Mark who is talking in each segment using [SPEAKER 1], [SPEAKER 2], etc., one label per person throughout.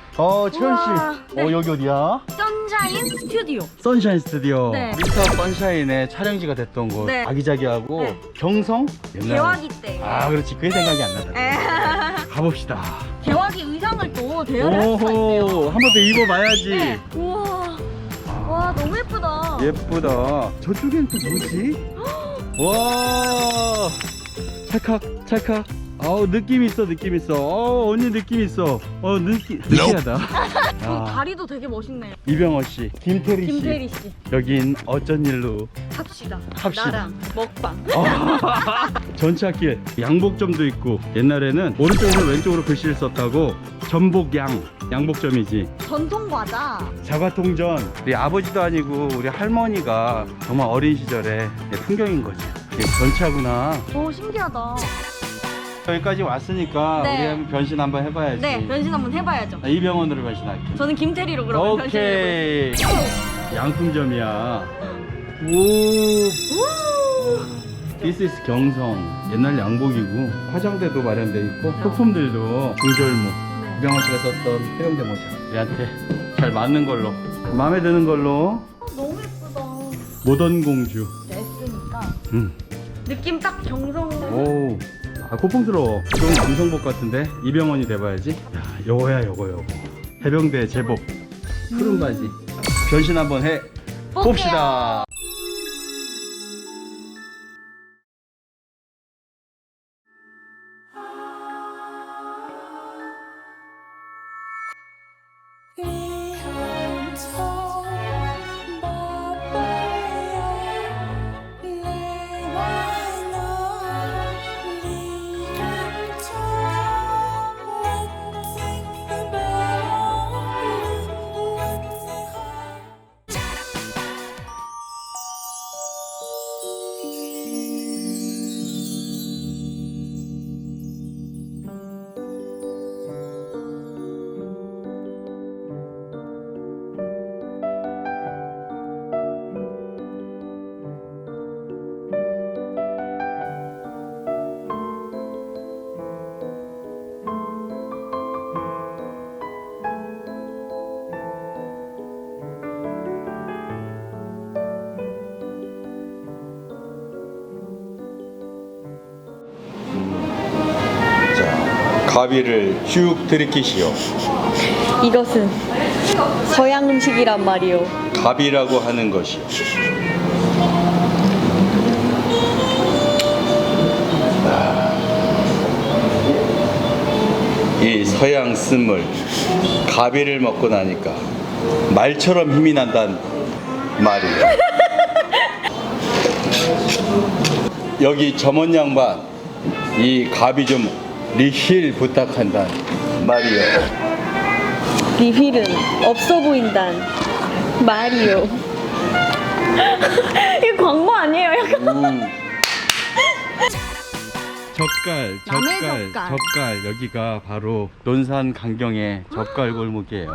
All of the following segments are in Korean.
[SPEAKER 1] 채연 씨.
[SPEAKER 2] 네.
[SPEAKER 1] 여기 어디야?
[SPEAKER 2] 선샤인 스튜디오.
[SPEAKER 1] 선샤인 스튜디오.
[SPEAKER 2] 네.
[SPEAKER 1] 미스터 선샤인의 촬영지가 됐던 곳.
[SPEAKER 2] 네.
[SPEAKER 1] 아기자기하고
[SPEAKER 2] 네.
[SPEAKER 1] 경성. 옛날에.
[SPEAKER 2] 개화기 때.
[SPEAKER 1] 그렇지. 그게 생각이 안 나잖아.
[SPEAKER 2] 에.
[SPEAKER 1] 가봅시다.
[SPEAKER 2] 개화기 의상을 또 대여를 할 수가 있대요.
[SPEAKER 1] 한 번 더 입어봐야지.
[SPEAKER 2] 네. 우와. 와 너무 예쁘다.
[SPEAKER 1] 예쁘다. 저쪽엔 또 뭐지? 와. 찰칵 찰칵. 느낌 있어 느낌 있어. 언니 느낌 있어. 느끼하다.
[SPEAKER 2] 다리도 되게 멋있네요.
[SPEAKER 1] 이병헌 씨, 김태리 씨.
[SPEAKER 2] 김태리 씨.
[SPEAKER 1] 여긴 어쩐 일로?
[SPEAKER 2] 합시다.
[SPEAKER 1] 합시다.
[SPEAKER 2] 나랑 먹방.
[SPEAKER 1] 전차길 양복점도 있고 옛날에는 오른쪽에서 왼쪽으로 글씨를 썼다고 전복양 양복점이지.
[SPEAKER 2] 전통 과자.
[SPEAKER 1] 자과통전. 우리 아버지도 아니고 우리 할머니가 정말 어린 시절의 풍경인 거지. 이게 전차구나.
[SPEAKER 2] 오 신기하다.
[SPEAKER 1] 여기까지 왔으니까
[SPEAKER 2] 네.
[SPEAKER 1] 우리 한번 변신 한번 해봐야지.
[SPEAKER 2] 네 변신 한번 해봐야죠.
[SPEAKER 1] 이병헌으로 변신할게.
[SPEAKER 2] 저는 김태리로 그러면
[SPEAKER 1] 오케이.
[SPEAKER 2] 변신해보겠습니다.
[SPEAKER 1] 양품점이야. 오. This is 경성. 옛날 양복이고 화장대도 마련돼 있고 소품들도 중절모. 이병헌 씨가 썼던 해병대 모자. 우리한테 잘 맞는 걸로. 마음에 드는 걸로.
[SPEAKER 2] 너무 예쁘다.
[SPEAKER 1] 모던 공주.
[SPEAKER 2] S니까
[SPEAKER 1] 음.
[SPEAKER 2] 느낌 딱 경성.
[SPEAKER 1] 오. 고풍스러워. 이건 남성복 같은데 이병헌이 돼봐야지. 야, 요거. 해병대 제복. 푸른 바지. 변신 한번 해 봅시다. 가비를 쭉 들이키시오.
[SPEAKER 2] 이것은 서양 음식이란 말이오.
[SPEAKER 1] 가비라고 하는 것이 이 서양 스물 가비를 먹고 나니까 말처럼 힘이 난단 말이에요. 여기 점원 양반 이 가비 좀 리필 부탁한단 말이요.
[SPEAKER 2] 리필은 없어 보인단 말이오. 이거 광고 아니에요? 약간. 젓갈.
[SPEAKER 1] 여기가 바로 논산 강경의 젓갈 골목이에요.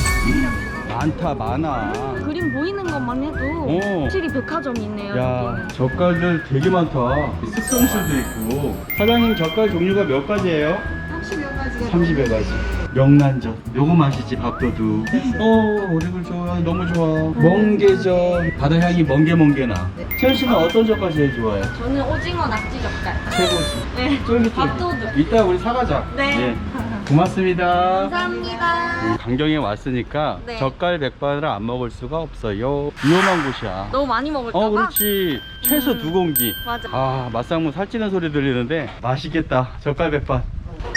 [SPEAKER 1] 많아.
[SPEAKER 2] 그림 보이는 것만 해도 확실히 백화점이 있네요.
[SPEAKER 1] 야,
[SPEAKER 2] 여기는.
[SPEAKER 1] 젓갈들 되게 많다. 숙성술도 있고. 사장님 젓갈 종류가 몇 가지예요?
[SPEAKER 2] 30여 가지가
[SPEAKER 1] 30여 가지. 명란젓 요거 맛이지. 밥도둑. 오리굴 좋아. 너무 좋아. 멍게젓. 바다 향이 멍게나. 채연 씨는 어떤 젓갈 제일 좋아해요?
[SPEAKER 2] 저는 오징어 낙지 젓갈.
[SPEAKER 1] 최고지.
[SPEAKER 2] 네.
[SPEAKER 1] 쫄깃쫄깃.
[SPEAKER 2] 밥도둑.
[SPEAKER 1] 이따 우리 사가자.
[SPEAKER 2] 네.
[SPEAKER 1] 고맙습니다.
[SPEAKER 2] 감사합니다.
[SPEAKER 1] 강경에 왔으니까
[SPEAKER 2] 네.
[SPEAKER 1] 젓갈 백반을 안 먹을 수가 없어요. 위험한 곳이야.
[SPEAKER 2] 너무 많이 먹을까봐?
[SPEAKER 1] 그렇지. 최소 2공기.
[SPEAKER 2] 맞아.
[SPEAKER 1] 맛상무 살찌는 소리 들리는데 맛있겠다. 젓갈 백반.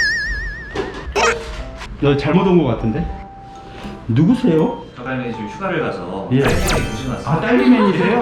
[SPEAKER 1] 너 잘못 온 것 같은데? 누구세요?
[SPEAKER 3] 저갈맨이 지금 휴가를 가서
[SPEAKER 1] 예.
[SPEAKER 3] 딸기맨이 조심하세요.
[SPEAKER 1] 딸기맨이세요?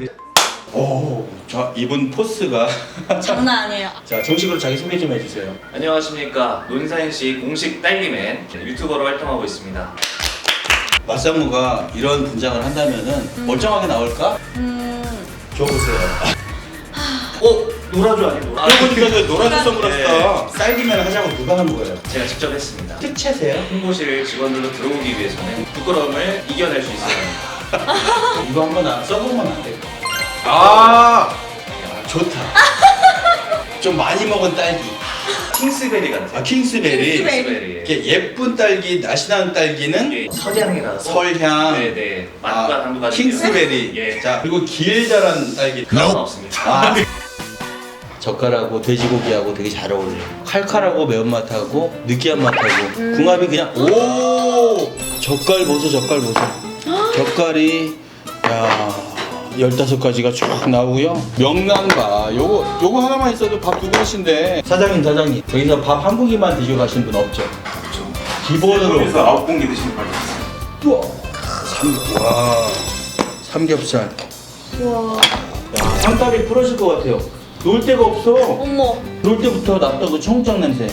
[SPEAKER 1] 자, 이분 포스가
[SPEAKER 2] 장난 아니에요.
[SPEAKER 1] 자, 정식으로 자기 소개 좀 해주세요.
[SPEAKER 3] 안녕하십니까, 논산시 공식 딸기맨 유튜버로 활동하고 있습니다.
[SPEAKER 1] 맛상무가 이런 분장을 한다면은 멀쩡하게 나올까? 줘보세요.
[SPEAKER 3] 노라조 아니고?
[SPEAKER 1] 보니까 그 노란색 선글라스다.
[SPEAKER 3] 네.
[SPEAKER 1] 쌀기면 하자고 누가 한 거예요?
[SPEAKER 3] 제가 직접 했습니다.
[SPEAKER 1] 특채세요?
[SPEAKER 3] 홍보실 직원들로 들어오기 위해서는 부끄러움을 이겨낼 수 있어요.
[SPEAKER 1] 이거 한번 써보면 안 돼요? 좋다. 좀 많이 먹은 딸기.
[SPEAKER 3] 킹스베리 같아요.
[SPEAKER 1] 아 킹스베리.
[SPEAKER 3] 킹스베리.
[SPEAKER 1] 이렇게 예쁜 딸기, 날씬한 딸기는
[SPEAKER 3] 예, 설향이라서.
[SPEAKER 1] 설향.
[SPEAKER 3] 네네. 맛과 당도 가지고.
[SPEAKER 1] 킹스베리.
[SPEAKER 3] 예.
[SPEAKER 1] 자 그리고 길 자란 딸기.
[SPEAKER 3] 그건 없습니다.
[SPEAKER 1] 아. 젓갈하고 돼지고기하고 되게 잘 어울려요. 칼칼하고 매운맛하고 느끼한 맛하고 궁합이 그냥 오 젓갈 보소 젓갈 보소. 젓갈이 야 15가지가 쭉 나오고요. 명란밥 요거 하나만 있어도 밥 2그릇인데 사장님 여기서 밥 한 공기만 드시고 가신 분 없죠?
[SPEAKER 3] 그렇죠.
[SPEAKER 1] 기본으로
[SPEAKER 3] 그래서 9공기 드시는 거죠.
[SPEAKER 1] 우와 와 삼겹살
[SPEAKER 2] 우와.
[SPEAKER 1] 야 상다리 부러질 것 같아요. 놀 데가 없어.
[SPEAKER 2] 어머.
[SPEAKER 1] 놀 때부터 났던 그 청국장 냄새.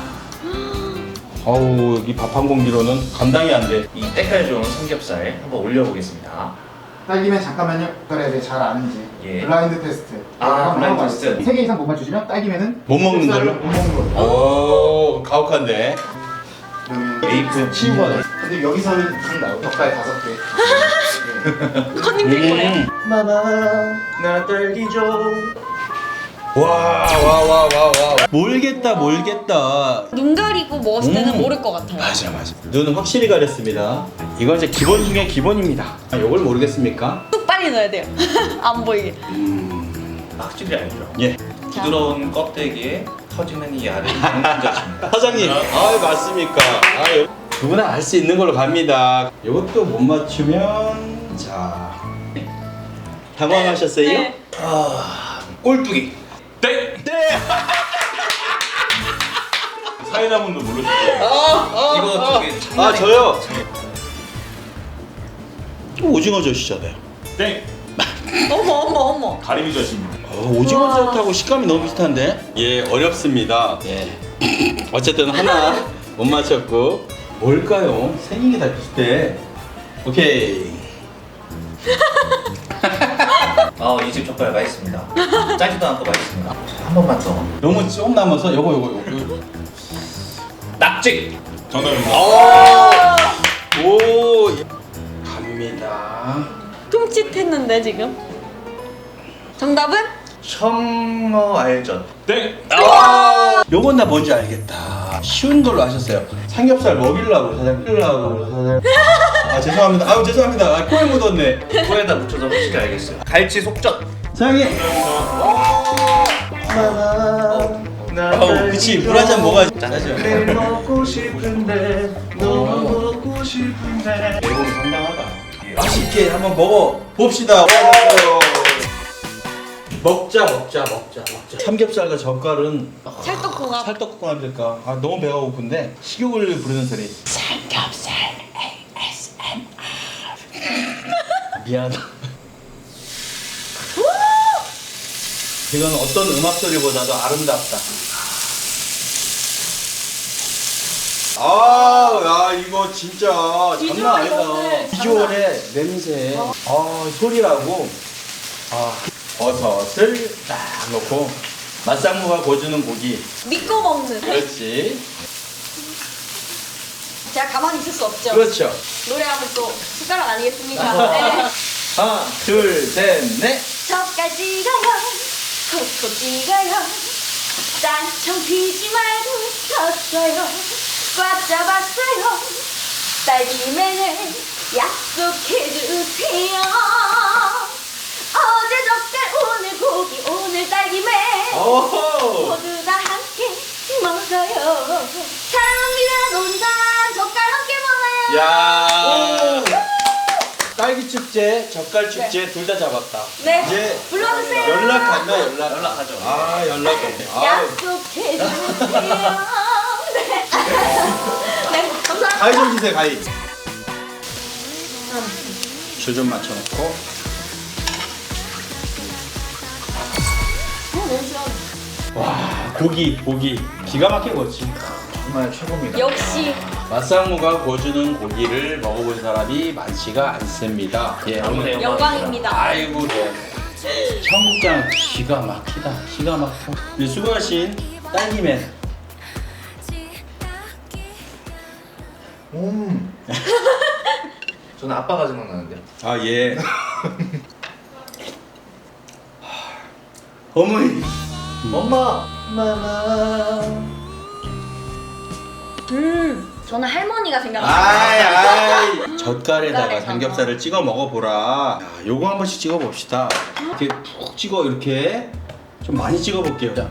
[SPEAKER 1] 아우 여기 밥 한 공기로는 감당이 안 돼.
[SPEAKER 3] 이 때깔 좋은 삼겹살 한번 올려보겠습니다.
[SPEAKER 4] 딸기면 잠깐만요. 그거에 대해 잘 아는지.
[SPEAKER 3] 예.
[SPEAKER 4] 블라인드 테스트.
[SPEAKER 3] 아, 블라인드 테스트.
[SPEAKER 4] 3개 이상 못 맞추시면 딸기면은
[SPEAKER 1] 못 먹는 걸로?
[SPEAKER 4] 못 먹는 걸로.
[SPEAKER 1] 오 가혹한데.
[SPEAKER 4] 그러면
[SPEAKER 3] 메이플
[SPEAKER 1] 치우고 하네.
[SPEAKER 4] 근데 여기서는 딱 나요. 덕갈 5개.
[SPEAKER 2] 컨닝 될 거예요.
[SPEAKER 3] 마마 나 딸기 줘.
[SPEAKER 1] 와. 몰겠다.
[SPEAKER 2] 눈 가리고 먹었을 때는
[SPEAKER 1] 음.
[SPEAKER 2] 모를 것 같아요.
[SPEAKER 1] 맞아. 눈은 확실히 가렸습니다. 이건 이제 기본 중에 기본입니다. 이걸 모르겠습니까?
[SPEAKER 2] 뚝 빨리 넣어야 돼요. 안 보이게.
[SPEAKER 3] 확실히 알죠.
[SPEAKER 1] 예.
[SPEAKER 3] 부드러운 껍데기에 터지는 이 알은 정신자입니다.
[SPEAKER 1] 사장님. 아 맞습니까? 누구나 알 수 있는 걸로 갑니다. 이것도 못 맞추면 자 당황하셨어요?
[SPEAKER 2] 네.
[SPEAKER 3] 꼴뚜기. 네.
[SPEAKER 1] 사이다문도 모르시죠?
[SPEAKER 3] 이거 저기
[SPEAKER 1] 저요. 오징어 젓이잖아요.
[SPEAKER 5] 땡!
[SPEAKER 2] 어머.
[SPEAKER 5] 가리비 젓입니다.
[SPEAKER 1] 오징어 젓하고 식감이 너무 비슷한데? 예, 어렵습니다. 예. 어쨌든 하나 못 맞췄고 뭘까요? 생긴 게 다 비슷해. 오케이.
[SPEAKER 3] 이 집 젓갈 맛있습니다. 짜지도 않고 맛있습니다. 한 번만 더.
[SPEAKER 1] 너무 좀 남아서 요거.
[SPEAKER 3] 낙지.
[SPEAKER 5] 정답입니다.
[SPEAKER 1] 오. 갑니다.
[SPEAKER 2] tum칫했는데 지금. 정답은?
[SPEAKER 3] 청어 알젓.
[SPEAKER 5] 땡!
[SPEAKER 1] 요건 나 뭔지 알겠다. 쉬운 걸로 하셨어요. 삼겹살 먹이려고 사장님. 아 죄송합니다. 아유 죄송합니다. 아, 코에 묻었네.
[SPEAKER 3] 코에다 묻혀서 확실히 알겠어요. 갈치 속젓.
[SPEAKER 1] 사장님. 그치 물 한 잔 먹어야지.
[SPEAKER 3] 짠하죠. 먹고 싶은데 너무 먹고 싶은데.
[SPEAKER 1] 내공이 상당하다. 맛있게 한번 먹어 봅시다. 먹자. 삼겹살과 젓갈은
[SPEAKER 2] 찰떡궁합.
[SPEAKER 1] 찰떡궁합일까? 아 너무 배가 고픈데 식욕을 부르는 소리. 삼겹살 ASMR. 미안하다. 이건 어떤 음악 소리보다도 아름답다. 야 이거 진짜 장난 아니다. 비주얼의 냄새, 소리라고. 버섯을 딱 넣고 맛상무가 구워주는 고기.
[SPEAKER 2] 믿고 먹는.
[SPEAKER 1] 그렇지.
[SPEAKER 2] 제가 가만히 있을 수 없죠.
[SPEAKER 1] 그렇죠.
[SPEAKER 2] 노래하면 또 숟가락 아니겠습니까? 네.
[SPEAKER 1] 하나, 둘, 셋, 넷.
[SPEAKER 2] 젓갈 찍어요. 콕콕 찍어요. 딴청 피지 말고 섰어요. 꽉 잡았어요. 딸기맨을 약속해주세요. 어제 젓갈 오늘 고기 오늘 딸기맨 모두 다 함께 먹어요. 사랑합니다 논산 젓갈 함께 먹어요.
[SPEAKER 1] 야. 딸기 축제, 젓갈 축제 둘 다 잡았다.
[SPEAKER 2] 네.
[SPEAKER 1] 이제
[SPEAKER 2] 불러주세요.
[SPEAKER 1] 연락한다.
[SPEAKER 3] 연락하죠.
[SPEAKER 1] 연락해.
[SPEAKER 2] 약속해주세요. 네. 네, 감사합니다.
[SPEAKER 1] 가위 좀 주세요, 가위. 줄 좀 맞춰놓고.
[SPEAKER 2] 너무 시원해.
[SPEAKER 1] 와, 고기. 기가 막히게 구웠지.
[SPEAKER 3] 정말 최고입니다.
[SPEAKER 2] 역시
[SPEAKER 1] 맛상무가 구워주는 고기를 먹어본 사람이 많지가 않습니다. 예,
[SPEAKER 3] 오늘
[SPEAKER 2] 영광입니다.
[SPEAKER 1] 아이고, 청국장 기가 막혀. 네, 수고하신 딸기맨.
[SPEAKER 3] 저는 아빠가 생각나는데요.
[SPEAKER 1] 아, 예. 어머니.
[SPEAKER 3] 엄마.
[SPEAKER 1] 마마.
[SPEAKER 2] 저는 할머니가 생각나요.
[SPEAKER 1] 아이 젓갈에다가
[SPEAKER 2] 젓갈에다가.
[SPEAKER 1] 삼겹살을 찍어 먹어보라. 야, 요거 한 번씩 찍어 봅시다. 이렇게 푹 찍어 이렇게 좀 많이 찍어 볼게요. 자,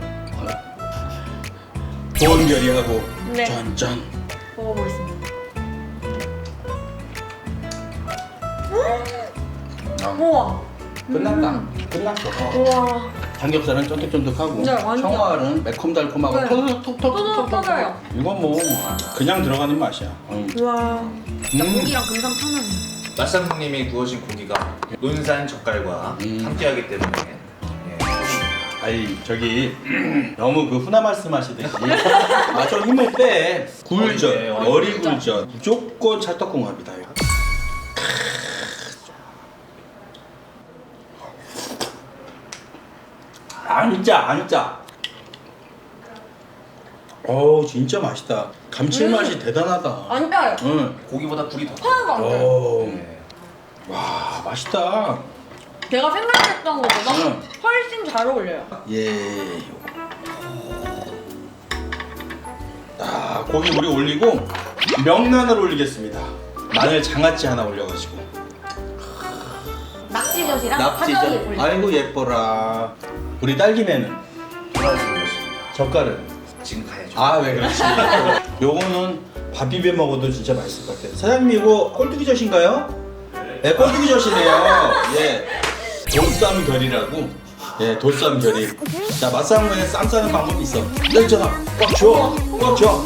[SPEAKER 1] 좋은 결이하고
[SPEAKER 2] 네.
[SPEAKER 1] 짠짠.
[SPEAKER 2] 먹어보겠습니다.
[SPEAKER 1] 아,
[SPEAKER 2] 우와.
[SPEAKER 1] 끝났다. 끝났어.
[SPEAKER 2] 우와.
[SPEAKER 1] 삼겹살은 쫀득쫀득하고
[SPEAKER 2] 네, 완전.
[SPEAKER 1] 청어알은 매콤달콤하고
[SPEAKER 2] 네.
[SPEAKER 1] 톡톡톡톡톡.
[SPEAKER 2] 터져요.
[SPEAKER 1] 이건 뭐 그냥 들어가는 맛이야.
[SPEAKER 2] 우와. 고기랑 금상 편하네.
[SPEAKER 3] 맛상님이 구워진 고기가 논산 젓갈과 함께하기 때문에 예.
[SPEAKER 1] 아니 저기 너무 그 훈화 말씀하시듯이 좀 힘을 빼. 굴전,
[SPEAKER 3] 어리
[SPEAKER 1] 어리 굴전 무조건 찰떡궁합이다. 이거. 안 짜. 어우 진짜 맛있다. 감칠맛이 대단하다.
[SPEAKER 2] 안 짜요.
[SPEAKER 1] 응.
[SPEAKER 3] 고기보다 굴이 더
[SPEAKER 2] 하나도 안 짜요.
[SPEAKER 1] 오.
[SPEAKER 3] 예.
[SPEAKER 1] 와 맛있다.
[SPEAKER 2] 제가 생각했던 것보다
[SPEAKER 1] 응.
[SPEAKER 2] 훨씬 잘 어울려요.
[SPEAKER 1] 예. 아 고기 우리 올리고 명란을 올리겠습니다. 마늘 장아찌 하나 올려가지고.
[SPEAKER 2] 낙지젓이랑 파전이 올려.
[SPEAKER 1] 아이고 예뻐라. 우리 딸기매는
[SPEAKER 3] 돌아주셨습니다.
[SPEAKER 1] 젓갈은.
[SPEAKER 3] 지금 가야죠.
[SPEAKER 1] 아 왜 그렇지? 요거는 밥 비벼 먹어도 진짜 맛있을 것 같아요. 사장님 이거 꼴뚜기젓인가요? 네, 꼴뚜기젓이네요. 예, 돌쌈결이라고. 예, 돌쌈결이. 자, 맛상무에 쌈 싸는 방법이 있어. 여기 있잖아. 꽉 줘, 꽉 줘.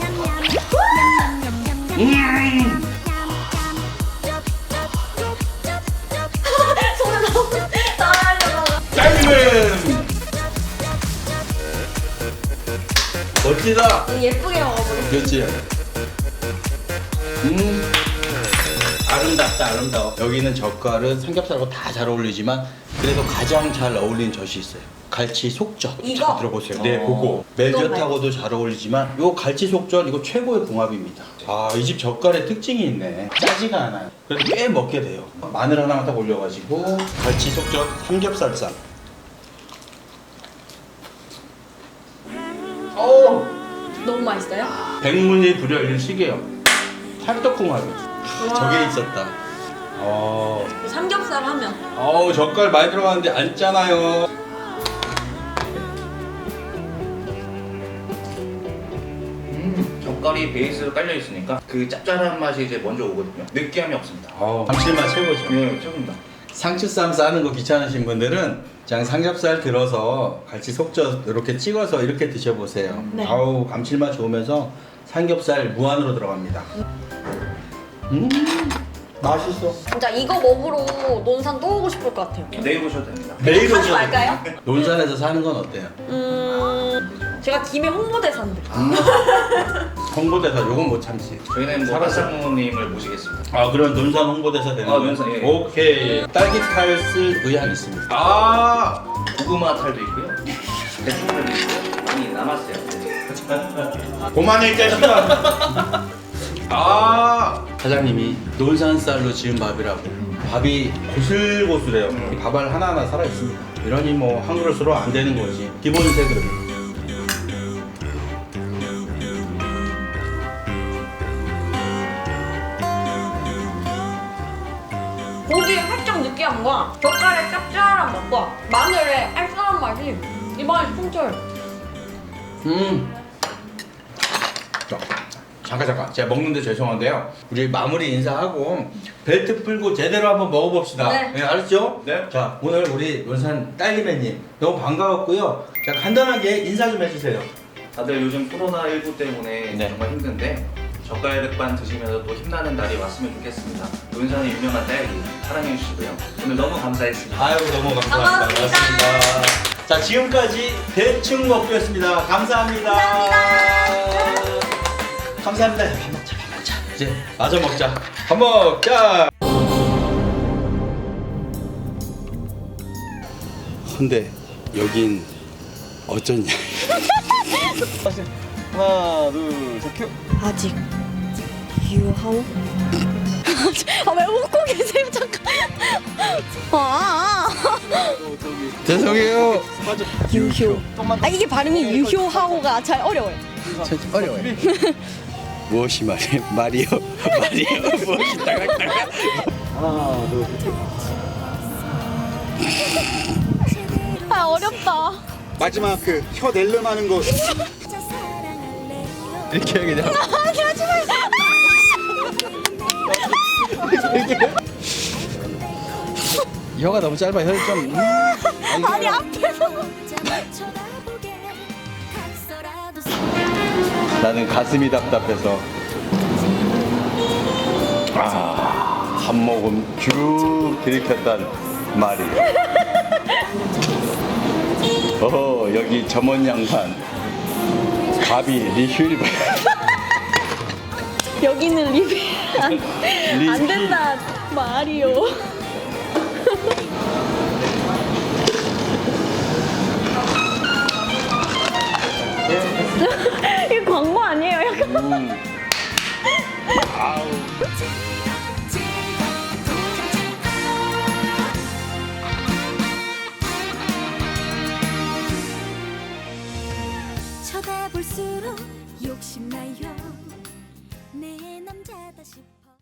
[SPEAKER 2] 손에 나오려고.
[SPEAKER 1] 딸기맨. 멋지다.
[SPEAKER 2] 예쁘게 먹어보겠습니다.
[SPEAKER 1] 그렇지. 아름다워. 여기는 젓갈은 삼겹살하고 다 잘 어울리지만 그래도 가장 잘 어울리는 젓이 있어요. 갈치 속젓.
[SPEAKER 2] 이거?
[SPEAKER 1] 잘 들어보세요. 네, 그거. 멜젓하고도 잘 어울리지만 요 갈치 속젓 이거 최고의 궁합입니다. 아, 이 집 젓갈의 특징이 있네. 짜지가 않아요. 그래도 꽤 먹게 돼요. 마늘 하나 딱 올려가지고 갈치 속젓 삼겹살쌈. 오!
[SPEAKER 2] 너무 맛있어요?
[SPEAKER 1] 백문이 불여일식이에요. 찰떡궁합이. 저게 있었다.
[SPEAKER 2] 삼겹살 하면
[SPEAKER 1] 어우 젓갈 많이 들어가는데 안 짜나요.
[SPEAKER 3] 젓갈이 베이스로 깔려 있으니까 그 짭짤한 맛이 이제 먼저 오거든요. 느끼함이 없습니다.
[SPEAKER 1] 감칠맛 최고죠.
[SPEAKER 3] 네, 최고입니다.
[SPEAKER 1] 상추쌈 싸는 거 귀찮으신 분들은 그냥 삼겹살 들어서 같이 속젓 이렇게 찍어서 이렇게 드셔보세요.
[SPEAKER 2] 네.
[SPEAKER 1] 아우 감칠맛 좋으면서 삼겹살 무한으로 들어갑니다. 맛있어.
[SPEAKER 2] 진짜 이거 먹으러 논산 또 오고 싶을 것 같아요.
[SPEAKER 3] 내일 오셔도 됩니다.
[SPEAKER 1] 매일
[SPEAKER 2] 하지
[SPEAKER 1] 오셔도
[SPEAKER 2] 말까요?
[SPEAKER 1] 돼요. 논산에서 사는 건 어때요?
[SPEAKER 2] 제가 김해 홍보대사인데.
[SPEAKER 1] 홍보대사 요건 못 참지.
[SPEAKER 3] 저희는 뭐 맛상무님을 모시겠습니다.
[SPEAKER 1] 아 그럼 논산 홍보대사 되는
[SPEAKER 3] 아,
[SPEAKER 1] 거예요?
[SPEAKER 3] 논산, 예.
[SPEAKER 1] 오케이. 딸기 탈 쓸 의향 있습니다. 아
[SPEAKER 3] 고구마 탈도 있고요. 배추탈도 있고요. 많이 남았어요.
[SPEAKER 1] 그만해 이 자식아. 아 사장님이 논산 쌀로 지은 밥이라고 밥이 고슬고슬해요. 밥알 하나하나 살아있습니다. 이러니 뭐 한 그릇으로 안 되는 거지. 기본 세 그릇.
[SPEAKER 2] 고기의 살짝 느끼한 거와 젓갈의 짭짤한 맛과 마늘의 알싸한 맛이 입안에서 통째요.
[SPEAKER 1] 잠깐 제가 먹는데 죄송한데요. 우리 마무리 인사하고 벨트 풀고 제대로 한번 먹어봅시다.
[SPEAKER 2] 네.
[SPEAKER 1] 알았죠?
[SPEAKER 3] 네.
[SPEAKER 1] 자 오늘 우리 논산 딸기맨님 너무 반가웠고요. 자 간단하게 인사 좀 해주세요.
[SPEAKER 3] 다들 요즘 코로나19 때문에
[SPEAKER 1] 네.
[SPEAKER 3] 정말 힘든데 젓갈백반 드시면서 또 힘나는 날이 왔으면 좋겠습니다. 논산의 유명한 딸기 사랑해 주시고요. 오늘 너무 감사했습니다.
[SPEAKER 1] 아유 너무 감사합니다.
[SPEAKER 2] 반갑습니다.
[SPEAKER 1] 자 지금까지 대충 먹기였습니다. 감사합니다. 감사합니다. 밥 먹자. 이제 마저 먹자. 밥 먹자. 근데 여긴 어쩐냐? 하나 둘 셋 큐.
[SPEAKER 2] 아직 유하오? 왜 웃고 계세요 잠깐.
[SPEAKER 1] 죄송해요.
[SPEAKER 2] 유효. 이게 발음이 유효하고가 잘 어려워요.
[SPEAKER 1] 어려워요. 무엇이 말이요? 무엇이 따각따각. 하나, 둘.
[SPEAKER 2] 어렵다.
[SPEAKER 4] 마지막 그 혀 낼름하는 거.
[SPEAKER 1] 이렇게 해야 그냥.
[SPEAKER 2] 아니 하지 마요.
[SPEAKER 1] 혀가 너무 짧아. 혀를 좀.
[SPEAKER 2] 아니 앞에서.
[SPEAKER 1] 나는 가슴이 답답해서 한 모금 쭉 들이켰단 말이에요. 여기 점원 양반 가비 리필.
[SPEAKER 2] 여기는 리필 안 된다 마리오. 이거 광고 아니에요? 약간.
[SPEAKER 5] 쳐다볼수록 욕심나요 내 남자다 싶어